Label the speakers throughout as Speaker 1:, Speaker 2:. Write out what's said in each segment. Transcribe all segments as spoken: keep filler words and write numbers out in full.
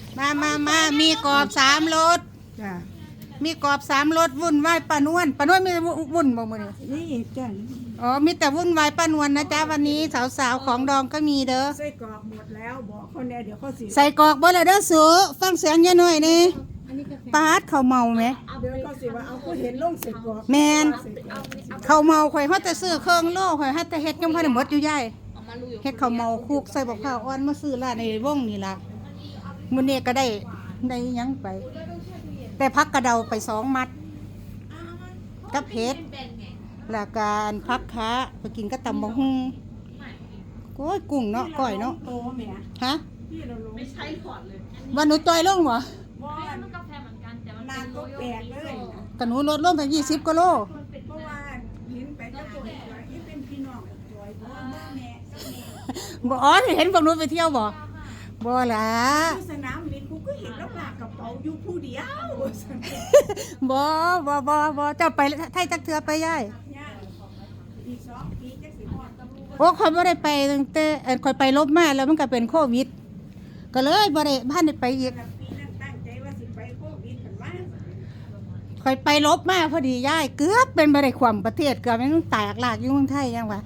Speaker 1: มามามามีกรอบสามรส
Speaker 2: จ้ะ
Speaker 1: มีกรอบสามรสวุ่นวายป้านวลป้านวลมีวุ่นบ่มื้อนี้
Speaker 2: นี่จ้ะ
Speaker 1: อ๋อมีแต่วุ่นวายป้านวลนะจ๊ะวันนี้สาวๆของดองก็มีเด้อ
Speaker 2: ไส้กรอกหมดแล้วบอกเขาแน่เดี๋ยวเขาสิ
Speaker 1: ใส่กรอกบ่ละเด้อสูฟังเสียงยายหน่อยนี่ปาดเขาเมาไหม
Speaker 2: เดี๋ยวเขาสิว่าเอาเขาเห็นลงใส่กรอก
Speaker 1: แมนเขาเมาข่อยเฮาแต่ซื้อเครื่องโลข่อยเฮาแต่เฮ็ดยังบ่ได้หมดอยู่ยายเฮ็ดเขาวเมาคุกใส่บักพร้าวอ่อนมาซื้อร้านในวงนี่ล่ะมื้อนี้ก็ได้ได้หยังไป แต่พักกระเดาไปสองมัดกับเผ็ดแล้วการพักค้าไปกินก็ตำบักหุ่งโอ้ยกุ้งเนาะก้อยเนาะ
Speaker 2: โตแม่
Speaker 1: ฮะ
Speaker 2: พี่เราลง
Speaker 3: ไม่ใช่หลอดเลย
Speaker 1: วันหนูจอยลงบ่
Speaker 2: บ่
Speaker 3: มันกาแฟเหมือนกันแต่มัน
Speaker 2: นานก็แปลกเลยนะ
Speaker 1: ก็หนูลดลงไปยี่สิบกิโล
Speaker 2: เพราะว่าลิ้นไปก็ปวดหัวที่เป็นพี่น้องจอยบ่แม่แม่แม่
Speaker 1: บ่อ๋อเห็นพวกหนูไปเที่ยวบ่บ่ล่ะ
Speaker 2: ที่สนามลิ้นกูก็เห็นแล้วลากกระเป๋าอยู่ผู้เดียว
Speaker 1: บ่บ่บ่บ่เจ้าไปไทยจักเทือไปยาย
Speaker 2: ย่าอีกสองปีจักสิฮอดตำรวจ
Speaker 1: โอ้ข่อยบ่ได้ไปตั้งแต่เอ่อข่อยไปลบมาแล้วมันก็เป็นโควิด ก็เลยบ่ได้บ้านได้ไปอีก
Speaker 2: ปีนั้นตั้งใจว่าสิไปโควิดกันมา
Speaker 1: ข่อยไปลบมาพอดียายเกือบเป็นบ่ได้ความประเทศเกือบมันแตกหลากอยู่เมืองไทยยังวะ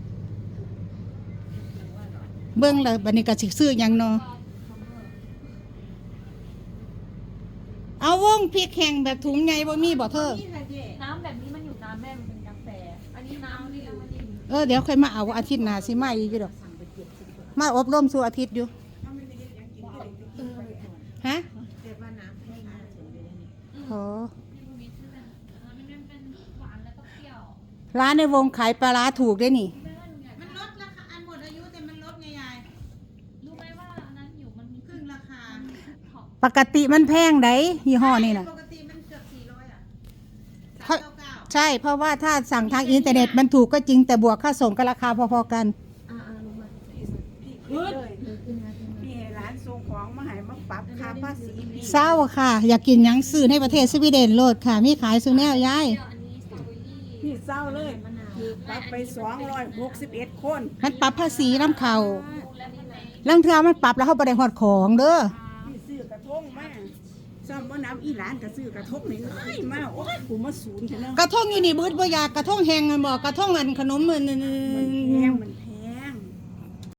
Speaker 1: เบิ่งแล้วบัดนี้ก็สิซื้อหยังเนาะเอาวงพริกแห้งแบบถุงใหญ่บ่มีบ่เธอ
Speaker 3: น้ำแบบนี้มันอยู่น้ำแม่มันเป็นกาแฟ อันนี้น้ำนี่แล้วมันนี่
Speaker 1: เออเดี๋ยวค่อยมาเอาอาทิตย์หน้าสิมาอีกอยู่ดอกมาอบรมสู่อาทิตย์อยู่ฮะโอ้
Speaker 3: มีชื่อแบบมันเป็นหวานแล้วก็เปรี้ยว
Speaker 1: ร้านในวงขายปลาร้าถูกได้นี่
Speaker 4: มันลดราคาอันหมดอายุแต่มันลดไงยาย
Speaker 3: รู้ไหมว่าอันนั้นอยู่มันมี
Speaker 4: ครึ่งราคา
Speaker 1: ปกติมันแพงไดยี่ห้อนี่นะ
Speaker 4: ปกติมันเกือบสี่ร้อยอ่ะ
Speaker 1: เพราะ
Speaker 4: สามเก้าเก้า
Speaker 1: ใช่เพราะว่าถ้าสั่งทางอินเทอร์เน็ตมันถูกก็จริงแต่บวกค่าส่งก็ราคาพอๆกัน
Speaker 2: พี่เลยพี่ให้ร้านส่งของมาให้มาปรับค่าภาษีพี่
Speaker 1: เศร้าค่ะ อยากกินหยังซื้อในประเทศสวีเดนโลดค่ะ มีขายซื้อแนวยาย
Speaker 3: เดี๋ยวอันนี้สตรอเบอรี่
Speaker 2: พี่เศร้าเลยคือปรับไปสองร้อยหกสิบเอ็ดคน
Speaker 1: มันปรับภาษีน้ำเขา
Speaker 3: และนี่ใน
Speaker 1: ลังเทือมันปรับแล้วเขาบ่ได้ฮอดของเด้อ
Speaker 2: พี่ซื้อกระทงมาซ่อมว่าน้ำอีหลานก็ซื้อกระทงนี่น้อยมาโอ้ยกูมาศูนย์เถอะเนาะ
Speaker 1: กระทงอยู่นี่บืดบ่อยากกระทงแห้งกันบ่กระทงอันขนมมัน
Speaker 2: มันแพงมันแพ